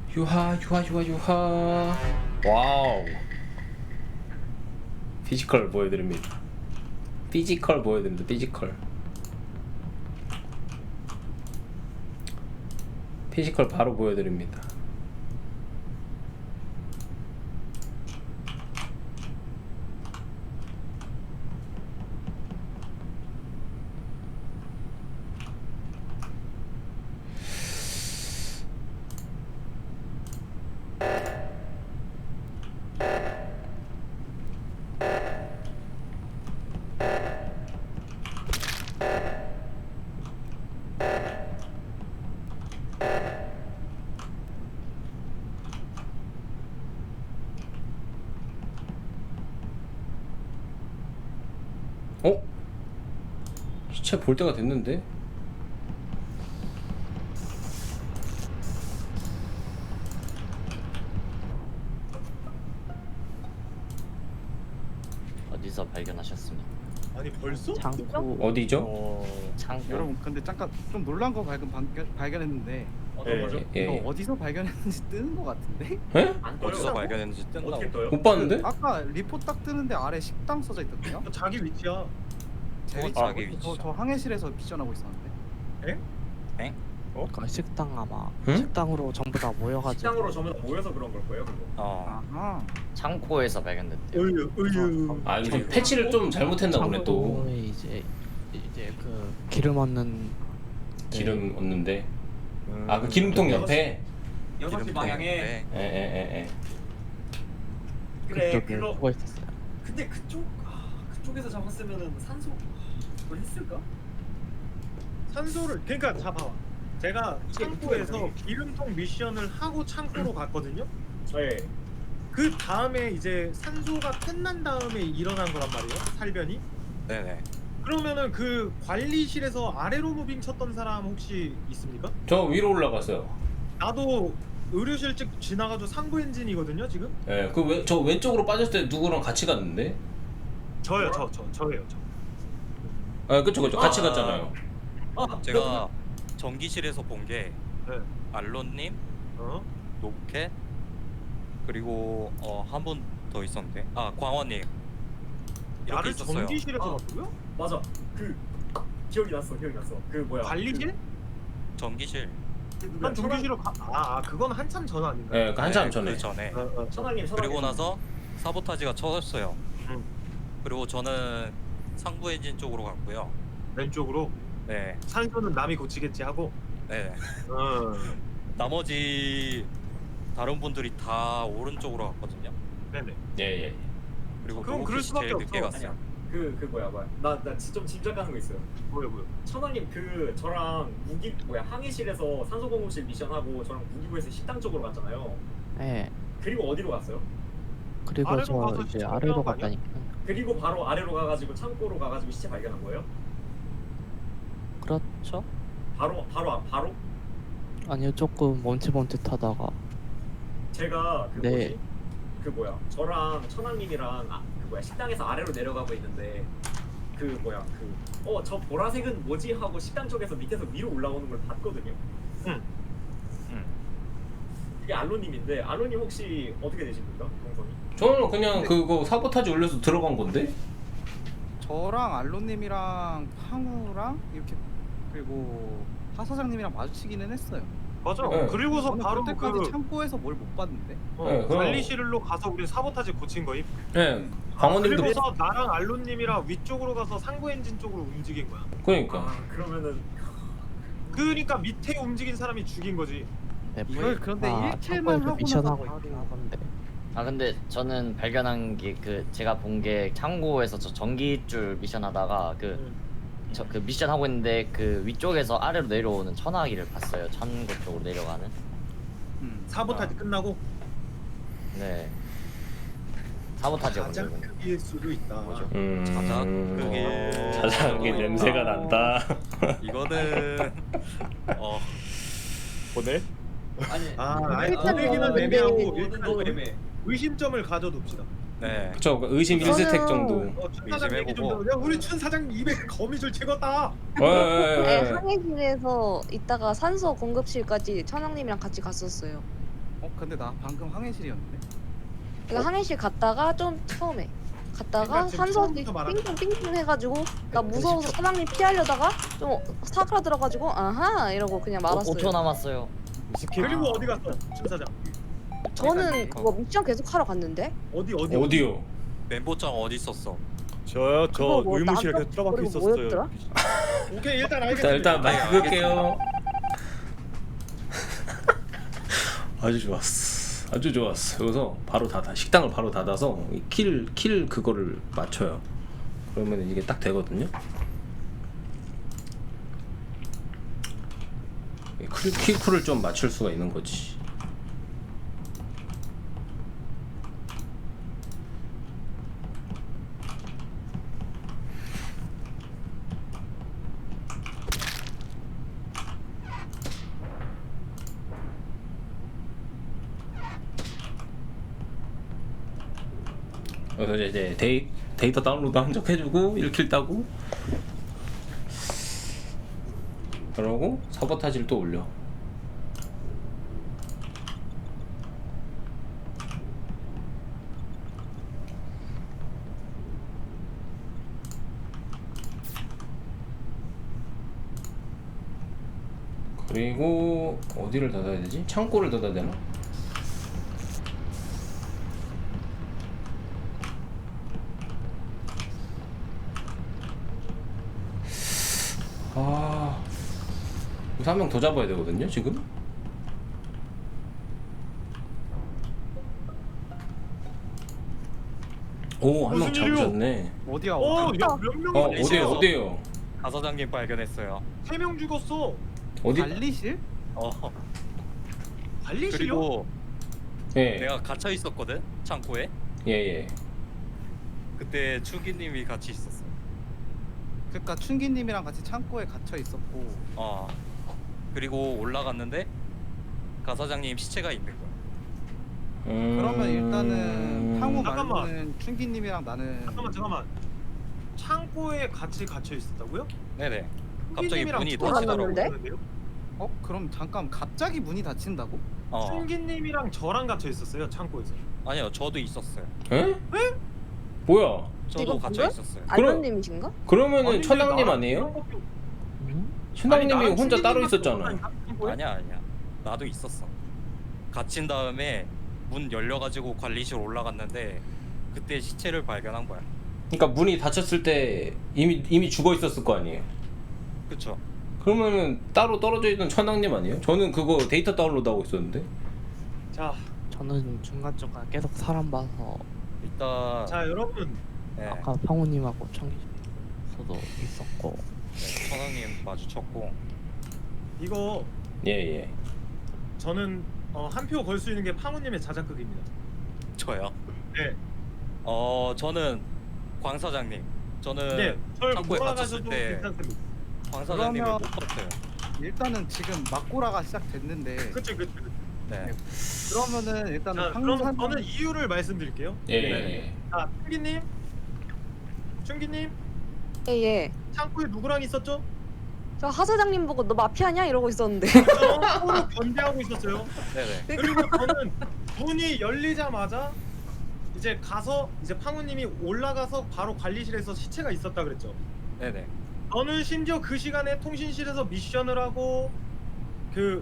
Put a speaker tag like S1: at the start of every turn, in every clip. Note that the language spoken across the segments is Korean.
S1: 유하 유하 유하 유하. 와우. 피지컬 보여드립니다. 피지컬 보여드립니다. 피지컬. 피지컬 바로 보여드립니다. 어? 시체 볼 때가 됐는데?
S2: 어디서 발견하셨습니까?
S3: 아니 벌써?
S4: 창고
S1: 어디죠?
S2: 창고.
S4: 여러분 근데 잠깐 좀 놀란 거 발견했는데
S3: 어떤 거죠?
S4: 이거
S1: 예.
S4: 어디서 발견했는지 뜨는 거 같은데?
S1: 에?
S3: 안
S5: 어디서
S3: 떠요?
S5: 발견했는지 뜬다고.
S3: 어떻게 떠요?
S1: 못 봤는데?
S4: 아까 리포트 딱 뜨는데 아래 식당 써져 있던데요?
S3: 자기 위치야.
S4: 제 위치
S5: 자기 위치죠.
S4: 저 항해실에서 미션하고 있었는데
S6: 그 식당 아마
S1: 응?
S6: 식당으로 전부 다 모여가지고
S3: 식당으로 전부 다 모여서 그런 걸 거예요, 그거.
S4: 아하
S2: 창고에서 발견됐대요.
S3: 으유.
S1: 아 이거 패치를 좀 잘못했나 보네 또.
S6: 창고에 이제 그 기름 얻는
S1: 기름 얻는데. 아 그 기름통 옆에.
S3: 6시 방향에.
S1: 에에에에.
S3: 그래,
S6: 그쪽에
S3: 그거.
S6: 누워 있었어요.
S3: 근데 그쪽에서 잡았으면은 산소 그걸 했을까?
S7: 산소를 그러니까 자 봐봐 제가 창고에서 기름통 미션을 하고 창고로 갔거든요.
S3: 네.
S7: 그 다음에 이제 산소가 끝난 다음에 일어난 거란 말이에요, 살변이.
S5: 네네.
S7: 그러면은 그 관리실에서 아래로 무빙 쳤던 사람 혹시 있습니까?
S1: 저 위로 올라갔어요.
S7: 나도 의료실 쪽 지나가지고 상부 엔진이거든요 지금.
S1: 예, 저 왼쪽으로 빠졌을 때 누구랑 같이 갔는데?
S7: 저예요 저예요.
S1: 아 그쵸 같이
S3: 아.
S1: 갔잖아요.
S5: 제가 전기실에서 본 게
S7: 네.
S5: 알론님,
S7: 어?
S5: 노켓, 그리고 한 분 더 있었는데 광원님 이렇게
S7: 나를
S5: 있었어요.
S7: 전기실에서 봤고요?
S3: 맞아. 기억이 났어. 그 뭐야?
S7: 관리실?
S5: 전기실.
S7: 난 전기실로 그건 한참 전 아닌가요?
S1: 예, 그 한참
S5: 네,
S1: 전에.
S5: 그 전에.
S3: 천왕님.
S5: 그리고 나서 사보타지가 쳐졌어요.
S7: 응.
S5: 그리고 저는 상부 엔진 쪽으로 갔고요.
S7: 왼쪽으로.
S5: 네,
S7: 산소는 남이 고치겠지 하고.
S5: 네.
S7: 나머지
S5: 나머지 다른 분들이 다 오른쪽으로 갔거든요.
S7: 네네.
S1: 예.
S5: 그리고
S7: 그럼 그럴
S5: 노켓이
S7: 수밖에
S5: 제일 늦게
S7: 없어.
S5: 갔어요.
S3: 그 뭐야? 나 좀 짐작하는 거 있어요.
S7: 뭐요?
S3: 천왕님 저랑 항해실에서 산소공급실 미션하고 저랑 무기부에서 식당 쪽으로 갔잖아요.
S6: 네.
S3: 그리고 어디로 갔어요?
S6: 그리고
S7: 아래로
S6: 저
S7: 가서
S6: 이제
S7: 시체
S6: 아래로
S7: 발견한 거 아니야?
S6: 갔다니까.
S3: 그리고 바로 아래로 가가지고 창고로 가가지고 시체 발견한 거예요?
S6: 그렇죠?
S3: 바로?
S6: 아니요, 조금 멈칫멈칫하다가
S3: 제가
S6: 네.
S3: 저랑 천왕님이랑 식당에서 아래로 내려가고 있는데 저 보라색은 뭐지 하고 식당 쪽에서 밑에서 위로 올라오는 걸 봤거든요.
S7: 응.
S3: 그게 알로님인데 알로님 혹시 어떻게 되십니까? 동선이?
S1: 저는 그냥 그거 사보타지 올려서 들어간 건데?
S4: 저랑 알로님이랑 황우랑 이렇게 그리고 하 사장님이랑 마주치기는 했어요.
S7: 맞아.
S1: 네.
S7: 그리고서
S4: 저는
S7: 바로
S4: 그때까지 창고에서 뭘 못 봤는데.
S1: 네, 그럼.
S7: 관리실로 가서 우리 사보타지 고친 거임.
S1: 예. 강원님도
S7: 그리고서 나랑 알론님이랑 위쪽으로 가서 상부 엔진 쪽으로 움직인 거야.
S1: 그러니까.
S3: 그러면은
S7: 그러니까 밑에 움직인 사람이 죽인 거지.
S6: 네,
S4: 이걸 그런데 일킬만
S6: 창고에서
S4: 하고
S6: 미션하고
S4: 나서
S6: 있긴
S4: 바로-
S6: 하던데.
S2: 근데 저는 발견한 게 제가 본 게 창고에서 저 전기줄 미션 하다가 그 미션 하고 있는데 그 위쪽에서 아래로 내려오는 천하기를 봤어요. 창고 쪽으로 내려가는.
S7: 사보타지 끝나고
S2: 네. 사보타지
S7: 가장
S2: 오는.
S7: 크기일 수도 있다.
S2: 뭐죠?
S5: 자작 그게
S1: 자작이 냄새가 난다.
S5: 이거는
S3: 아니
S7: 아니
S8: 일단
S7: 보내기는
S8: 뭐
S7: 애매하고
S8: 근데
S7: 일단
S3: 너무 애매해.
S7: 의심점을 가져둡시다.
S5: 네.
S1: 그쵸, 의심 1스택 정도.
S7: 춘 사장 얘기 좀 들어. 야 우리 춘 사장 입에 거미줄 찍었다.
S8: 네,
S1: 예.
S8: 항해실에서 있다가 산소 공급실까지 천왕님이랑 같이 갔었어요.
S4: 근데 나 방금 항해실이었는데.
S8: 내가 항해실 갔다가 좀 처음에 갔다가
S7: 그러니까 지금
S8: 산소지
S7: 처음부터 말하는
S8: 삥삥삥삥 해가지고 나 무서워서 사장님 피하려다가 좀 사그라들어가지고 아하 이러고 그냥 말았어요.
S2: 5초 남았어요.
S7: 그리고 어디 갔어 춘사장?
S8: 저는 그거 미션 계속 하러 갔는데
S1: 어디요?
S5: 멘보장 어디 있었어?
S9: 저요? 저
S8: 그거 뭐
S9: 의무실에
S8: 남자
S9: 계속 들어박혀
S8: 그리고
S9: 있었어요.
S8: 뭐였더라?
S7: 오케이 일단
S1: 자
S7: 알겠습니다.
S1: 일단 마이크 끌게요. 아주 좋았어. 아주 좋았어. 여기서 바로 닫아. 식당을 바로 닫아서 킬 그거를 맞춰요. 그러면 이게 딱 되거든요. 킬쿨을 좀 맞출 수가 있는 거지. 그래서 이제 데이터 다운로드 한 적 해주고 1킬 따고 그러고 사보타지를 또 올려. 그리고 어디를 닫아야 되지? 창고를 닫아야 되나? 아, 여기서 한 명 더 잡아야 되거든요, 지금? 오, 한 명
S7: 무슨 일이요?
S1: 잡으셨네.
S4: 어디야?
S7: 몇 명이
S1: 어디에요?
S5: 가사장님 발견했어요.
S7: 3명 죽었어.
S1: 어디?
S4: 관리실?
S7: 관리실이요?
S5: 그리고
S1: 예,
S5: 내가 갇혀 있었거든 창고에.
S1: 예.
S5: 그때 추기님이 같이 있었어.
S4: 그러니까 춘기님이랑 같이 창고에 갇혀 있었고.
S5: 그리고 올라갔는데 가사장님 시체가 있는 거야.
S4: 그러면 일단은 황후
S7: 잠깐만.
S4: 말고는 춘기님이랑 나는.
S7: 잠깐만. 창고에 같이 갇혀 있었다고요?
S5: 네네. 갑자기
S7: 춘기님이랑
S5: 문이
S8: 저랑
S5: 닫히더라고.
S8: 만났는데?
S4: 그럼 잠깐 갑자기 문이 닫힌다고?
S7: 춘기님이랑 저랑 갇혀 있었어요 창고에서.
S5: 아니요, 저도 있었어요.
S1: 에? 뭐야?
S5: 저도
S8: 이건
S5: 갇혀
S8: 뭐야?
S5: 있었어요.
S8: 알론님이신가?
S1: 그러면은
S7: 아닌데,
S1: 천왕님
S7: 나랑
S1: 아니에요?
S7: 그런 것도-
S1: 천왕님이
S7: 아니, 나랑
S1: 혼자 따로
S7: 춘기님만
S1: 있었잖아.
S7: 창고에?
S5: 아니야. 나도 있었어. 갇힌 다음에 문 열려가지고 관리실 올라갔는데 그때 시체를 발견한 거야.
S1: 그러니까 문이 닫혔을 때 이미 죽어 있었을 거 아니에요.
S5: 그쵸?
S1: 그러면은 따로 떨어져 있는 천왕님 아니에요? 저는 그거 데이터 다운로드 하고 있었는데.
S7: 자,
S6: 저는 중간중간 계속 사람 봐서
S5: 일단
S7: 자 여러분
S5: 네,
S6: 아까 황우님하고 청기서도 있었고
S5: 네, 천왕님 마주쳤고
S7: 이거
S1: 예.
S7: 저는 한 표 걸 수 있는 게 팡우님의 자작극입니다.
S5: 저요.
S7: 네.
S5: 저는 광 사장님. 저는
S7: 네, 절
S5: 창고에
S7: 몰아가셔도
S5: 갇혔을 때
S7: 괜찮습니다.
S5: 광 사장님을
S4: 그러면-
S5: 못 봤어요.
S4: 일단은 지금 막고라가 시작됐는데.
S7: 그치.
S5: 네.
S4: 그러면은 일단은
S7: 자, 그럼
S4: 황산.
S7: 저는 이유를 말씀드릴게요.
S1: 예.
S7: 자, 춘기님,
S8: 예예.
S7: 창고에 누구랑 있었죠?
S8: 저 하사장님 보고 너 마피아냐 이러고 있었는데.
S7: 서로 견제하고 있었어요.
S5: 네네.
S7: 그리고 저는 문이 열리자마자 이제 가서 이제 팡우님이 올라가서 바로 관리실에서 시체가 있었다 그랬죠.
S5: 네네.
S7: 저는 심지어 그 시간에 통신실에서 미션을 하고 그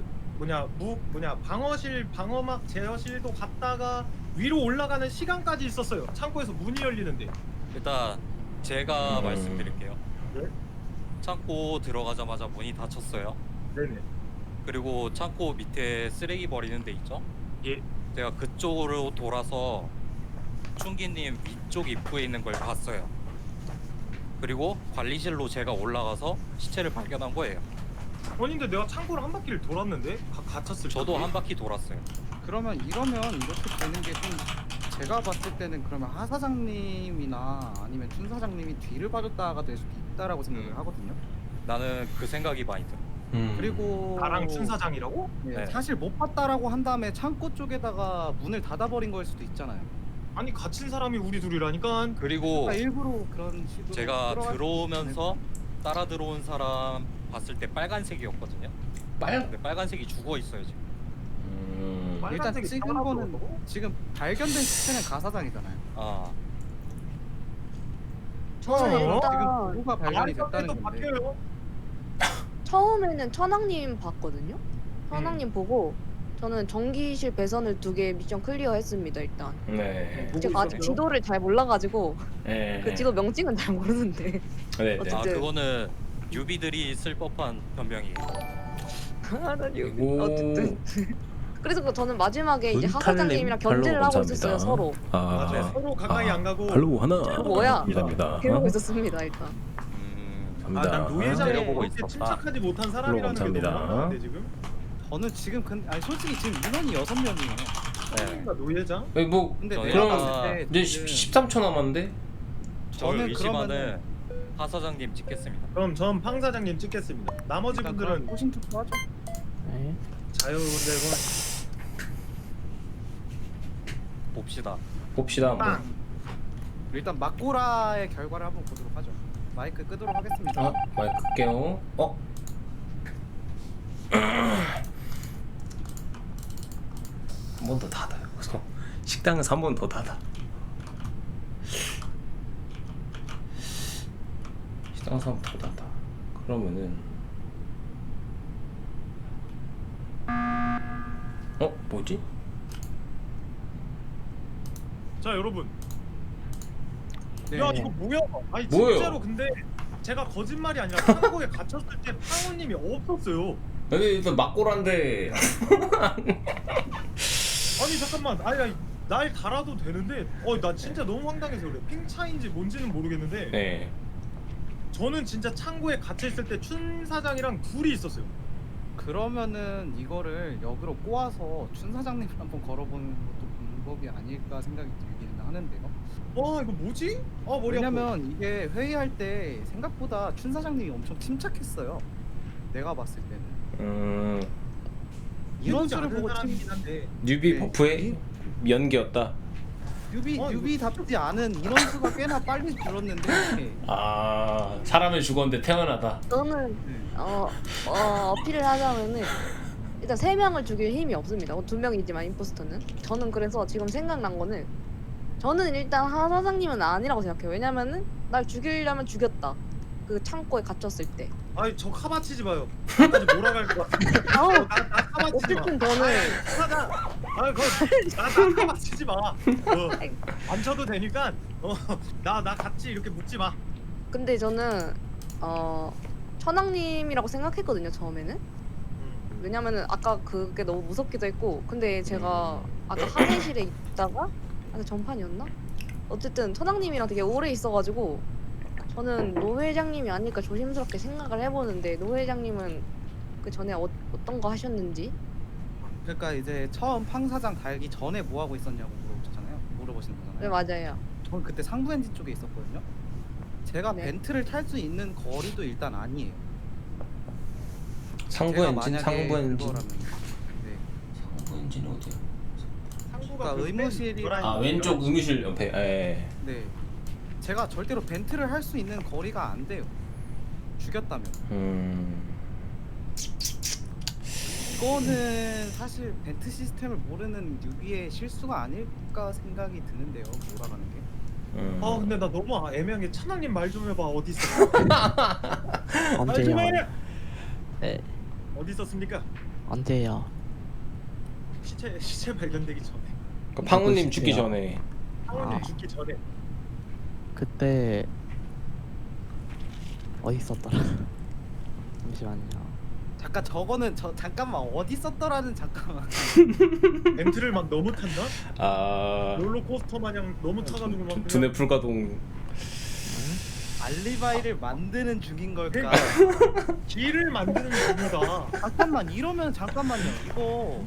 S7: 방어막 제어실도 갔다가 위로 올라가는 시간까지 있었어요. 창고에서 문이 열리는데.
S5: 일단 제가
S1: 음.
S5: 말씀드릴게요.
S7: 네?
S5: 창고 들어가자마자 문이 닫혔어요.
S7: 네네.
S5: 그리고 창고 밑에 쓰레기 버리는 데 있죠?
S7: 예.
S5: 제가 그쪽으로 돌아서 춘기님 위쪽 입구에 있는 걸 봤어요. 그리고 관리실로 제가 올라가서 시체를 발견한 거예요.
S7: 아니 근데 내가 창고를 한 바퀴를 돌았는데 갇혔을
S5: 저도
S7: 때.
S5: 한 바퀴 돌았어요.
S4: 그러면 이러면 이렇게 되는 게 좀 제가 봤을 때는 그러면 하 사장님이나 아니면 춘 사장님이 뒤를 봐줬다가 될 수도 있다라고 생각을 하거든요.
S5: 나는 그 생각이 많이 들어.
S4: 그리고
S7: 나랑 춘 사장이라고?
S4: 네,
S5: 네.
S4: 사실 못 봤다라고 한 다음에 창고 쪽에다가 문을 닫아버린 거일 수도 있잖아요.
S7: 아니 갇힌 사람이 우리 둘이라니까.
S5: 그리고
S4: 그러니까 일부러 그런 식으로
S5: 제가
S4: 끌어갈 수도
S5: 들어오면서
S4: 있잖아요.
S5: 따라 들어온 사람 봤을 때 빨간색이었거든요. 근데 빨간색이 죽어 있어요 지금.
S4: 일단
S3: 빨간색이
S4: 찍은
S3: 하나도
S4: 거는
S3: 없다고?
S4: 지금 발견된 시체는 가사장이잖아요.
S5: 아
S8: 저는
S3: 어?
S4: 지금
S8: 일단
S4: 누가 발견이 됐다는
S3: 발견도
S4: 건데.
S3: 바뀌어요.
S8: 처음에는 천왕님 봤거든요. 천왕님 보고 저는 전기실 배선을 2개 미션 클리어했습니다. 일단
S1: 네.
S3: 보고
S8: 제가 아직
S3: 있었어요?
S8: 지도를 잘 몰라가지고
S1: 네.
S8: 그 지도 명칭은 잘 모르는데
S1: 네. 네.
S8: 어쨌든
S5: 아 그거는 뉴비들이 쓸 법한 변명이에요.
S1: 그리고
S8: 어쨌든 그래서 저는 마지막에 이제
S1: 문탈님
S8: 하사장님이랑 견제를
S1: 팔로우
S8: 하고
S1: 감사합니다.
S8: 있었어요 서로.
S3: 맞아요.
S1: 아,
S3: 서로 가까이 안 가고.
S1: 팔로우 하나.
S8: 뭐야?
S1: 감사합니다.
S8: 그러고 있었습니다 일단.
S1: 감사합니다.
S3: 난 노예장에
S5: 내려보고
S3: 이렇게
S5: 있었다.
S3: 침착하지 못한 사람이라는 게 너무
S1: 감사합니다.
S3: 황당한데 지금?
S4: 저는 지금 아니 솔직히 지금 인원이 6명이에요.
S5: 네.
S3: 노예장?
S1: 뭐
S4: 근데
S5: 저희가-
S4: 내가 봤을 때
S1: 이제
S4: 지금
S1: 13초 남았는데.
S5: 저를
S4: 저는
S5: 의심하는
S4: 그러면은
S5: 하 사장님 찍겠습니다.
S3: 그럼 전 팡 사장님 찍겠습니다. 나머지
S4: 일단
S3: 분들은
S4: 그럼 호신 투표하죠.
S6: 네.
S3: 자유대고
S5: 봅시다.
S1: 봅시다 한번.
S3: 빵!
S4: 일단 막고라의 결과를 한번 보도록 하죠. 마이크 끄도록 하겠습니다.
S1: 아, 마이크 끌게요. 한 번 더 닫아요. 그래서 식당에서 한 번 더 닫아. 식당에서 한 번 더 닫아. 그러면은 뭐지?
S3: 자 여러분
S4: 네.
S3: 야 이거 뭐야? 아니
S1: 뭐예요?
S3: 진짜로 근데 제가 거짓말이 아니라 창고에 갇혔을 때 팡우님이 없었어요.
S1: 여기 일단 막고란데.
S3: 아니 잠깐만 아니 날 달아도 되는데 나 진짜 너무 황당해서 그래. 핑 차인지 뭔지는 모르겠는데
S1: 네.
S3: 저는 진짜 창고에 갇혀있을 때 춘 사장이랑 둘이 있었어요.
S4: 그러면은 이거를 역으로 꼬아서 춘 사장님을 한번 걸어보는 것도 방법이 아닐까 생각이 들기는 하는데요.
S3: 와 이거 뭐지? 머리 아파.
S4: 왜냐면 이게 회의할 때 생각보다 춘 사장님이 엄청 침착했어요. 내가 봤을 때는 이런 수를 보고
S3: 사람이긴 한데
S1: 뉴비
S4: 네.
S1: 버프의 연기였다.
S4: 뉴비답지 않은 인원수가 꽤나 빨리 줄었는데
S1: 아, 사람을 죽었는데 태어나다.
S8: 저는
S4: 네.
S8: 어필을 하자면은 일단 3명을 죽일 힘이 없습니다. 2명이지만 임포스터는. 저는 그래서 지금 생각난 거는 저는 일단 하 사장님은 아니라고 생각해요. 왜냐면은 날 죽이려면 죽였다. 그 창고에 갇혔을 때.
S3: 아니 저 카바치지 마요. 나까지 몰아갈 것 같아. 나 카바치지 마.
S8: 어쨌든 저는
S3: 사장. 나 카바치지 마. 안 쳐도 되니까 나 같이 이렇게 묻지 마.
S8: 근데 저는 천왕님이라고 생각했거든요 처음에는. 왜냐면은 아까 그게 너무 무섭기도 했고 근데 제가 아까 항해실에 있다가 전판이었나? 어쨌든 천왕님이랑 되게 오래 있어가지고 저는 노 회장님이 아닐까 조심스럽게 생각을 해보는데 노 회장님은 그 전에 어떤 거 하셨는지.
S4: 그러니까 이제 처음 팡 사장 달기 전에 뭐 하고 있었냐고 물어보시는 거잖아요.
S8: 네 맞아요.
S4: 저는 그때 상부 엔진 쪽에 있었거든요. 제가
S8: 네.
S4: 벤트를 탈 수 있는 거리도 일단 아니에요.
S1: 상부
S4: 제가
S1: 엔진,
S4: 만약에
S1: 상부 엔진.
S4: 그거라면, 네.
S1: 상부 엔진 어디야?
S3: 상부가
S4: 그러니까 의무실이-
S1: 아, 왼쪽 의무실 옆에. 예.
S4: 네. 제가 절대로 벤트를 할 수 있는 거리가 안 돼요. 죽였다면. 이거는 사실 벤트 시스템을 모르는 뉴비의 실수가 아닐까 생각이 드는데요. 몰아가는 게.
S3: 근데 나 너무 애매한 게 찬왕님 말 좀 해봐. 어디 있어?
S6: 언제요? 네.
S3: 어디 있었습니까?
S6: 언제요?
S3: 시체 발견되기 전에.
S1: 그 팡우님 죽기
S6: 보시세요.
S1: 전에.
S3: 팡우님
S6: 아.
S3: 죽기 전에.
S6: 그때 어디 있었더라? 잠시만요.
S4: 잠깐 저거는 잠깐만 어디 있었더라는 잠깐만.
S3: 벤트를 막 너무 탔나?
S1: 아,
S3: 롤러코스터 마냥 너무 타가지고 막 그냥-
S1: 두뇌 불가동.
S4: 알리바이를 만드는 중인 걸까?
S3: 길을 만드는 겁니다.
S4: 잠깐만 이러면 잠깐만요. 이거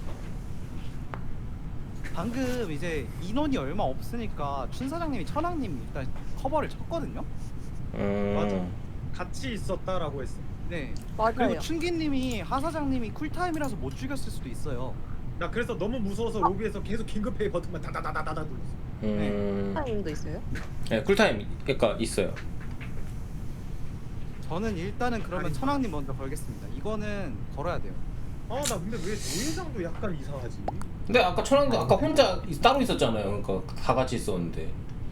S4: 방금 이제 인원이 얼마 없으니까 춘 사장님이 천왕님 일단 커버를 쳤거든요.
S3: 맞아. 같이 있었다라고 했어.
S4: 네.
S8: 맞아요.
S4: 그리고 춘기님이 하 사장님이 쿨타임이라서 못 죽였을 수도 있어요.
S3: 나 그래서 너무 무서워서 로비에서 계속 긴급회의 버튼만 다다다다다다 눌렀어.
S8: 타임도 있어요?
S1: 네, 쿨타임 그러니까 있어요.
S4: 저는 일단은 그러면
S3: 아니.
S4: 천왕님 먼저 걸겠습니다. 이거는 걸어야 돼요.
S7: 아 나 근데 왜 노예장도 약간 이상하지?
S1: 근데 아까 천왕도 아까 혼자 따로 있었잖아요. 그러니까 다 같이 있었는데.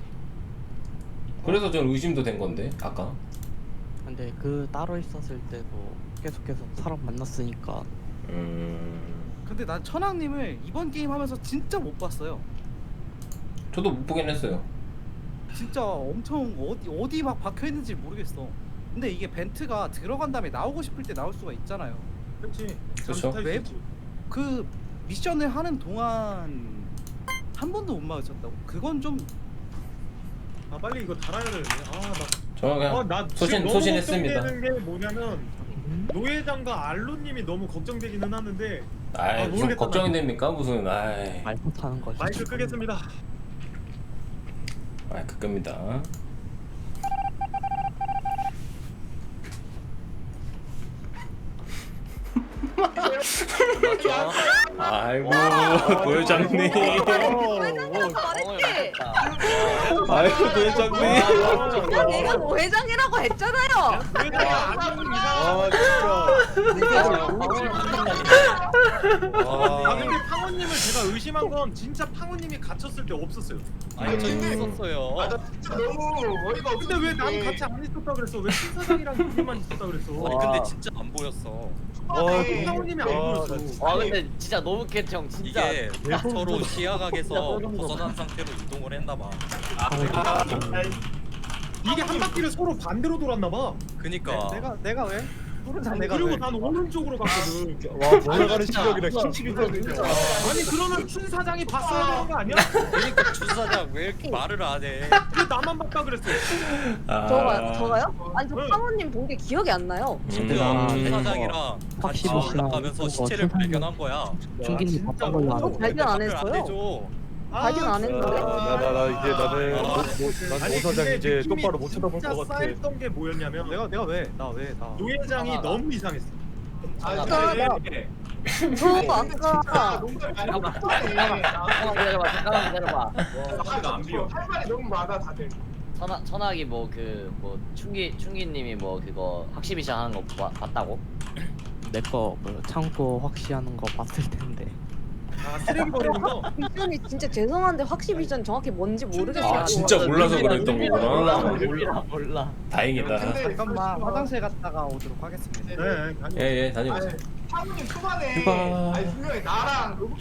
S1: 그래서 전 의심도 된 건데 아까.
S6: 근데 그 따로 있었을 때도 계속해서 사람 만났으니까
S4: 근데 난 천왕님을 이번 게임 하면서 진짜 못 봤어요.
S1: 저도 못 보긴 했어요.
S4: 진짜 엄청 어디 막 박혀 있는지 모르겠어. 근데 이게 벤트가 들어간 다음에 나오고 싶을 때 나올 수가 있잖아요.
S7: 그렇지.
S1: 그쵸.
S4: 왜? 그 미션을 하는 동안 한 번도 못 마주쳤다고? 그건 좀
S7: 아 빨리 이거 달아야 되네. 아나
S1: 저는 그냥
S7: 나
S1: 소신했습니다.
S7: 걱정되는 게 뭐냐면 노예장과 알로님이 너무 걱정되기는 하는데
S1: 아이 무슨
S7: 모르겠다,
S1: 걱정이
S7: 나.
S1: 됩니까? 무슨 아이
S6: 말 못하는 거지.
S7: 마이크 끄겠습니다.
S1: 마이크 끕니다. 아이고 노회장님.
S8: 노회장이라고 말했지.
S1: 아이고 노회장님.
S8: 야, 내가 노회장이라고 했잖아요.
S7: 노예장이 아니면 아 근데 팡호님을 제가 의심한 건 진짜 팡호님이 갇혔을 때 없었어요.
S5: 아니 저 있었어요.
S9: 아 나 진짜 너무 어이가 없어.
S7: 근데 왜 난 같이 안 있었다 그랬어? 왜 신사장이랑 둘이만 있었다 그랬어?
S5: 아니 근데 진짜 안 보였어.
S7: 팡호님이 안 보였어.
S2: 와 근데 진짜 너무 개청 진짜.
S5: 이게 서로 시야각에서 벗어난 상태로 이동을 했나 봐.
S7: 이게 한 바퀴를 서로 반대로 돌았나 봐.
S5: 그니까
S4: 내가 왜? 푸른상 내가
S7: 그리고
S4: 왜?
S7: 난 오른쪽으로 갔거든.
S9: 와 몰아가는 시력이랑 힘치기거든요.
S7: 아니 그러면 춘 사장이 봤어야 되는 거 아니야?
S5: 그러니까 주사장 왜 이렇게 말을 안 해?
S7: 왜 나만 봤다 그랬어?
S8: 저가요? 아니 저 파모님 본 게 기억이 안 나요.
S5: 심지어
S6: 음.
S5: 주사장이랑 같이
S6: 확실히
S5: 올라가면서
S6: 그거
S5: 시체를
S6: 세상에-
S5: 발견한 거야.
S6: 중기님 바쁜 걸로
S8: 저
S6: 알아.
S8: 발견 안
S5: 답변을
S8: 했어요.
S5: 해줘.
S8: 발견 안 했는데?
S9: 나 이제 나는
S7: 아니,
S9: 오사장
S7: 근데
S9: 이제
S7: 느낌이
S9: 똑바로 못 쳐다볼
S7: 진짜
S9: 것 같아.
S7: 쌓였던 게 뭐였냐면
S4: 내가 왜? 나
S7: 노예장이
S2: 아,
S7: 너무 이상했어.
S8: 저 아까
S2: 잠깐만 기다려봐.
S9: 안 비워. 할 말이 너무 많아 다들.
S2: 천학이 뭐 충기님이 뭐 그거 학시 미션 하는 거 봤다고?
S6: 내거 뭐 창고 확시하는 거 봤을 텐데.
S7: 아 쓰레기 버리는 거.
S8: 미션이 진짜 죄송한데 확실히 미션 정확히 뭔지 모르겠어요.
S1: 아 진짜 몰라서 그랬던 거구나.
S2: 몰라.
S1: 다행이다.
S4: 잠깐만 화장실 갔다가 오도록 하겠습니다.
S7: 네, 아니.
S1: 예예 다녀오세요.
S9: 사모님 초반에
S1: 휴가.
S9: 아니 분명히 나랑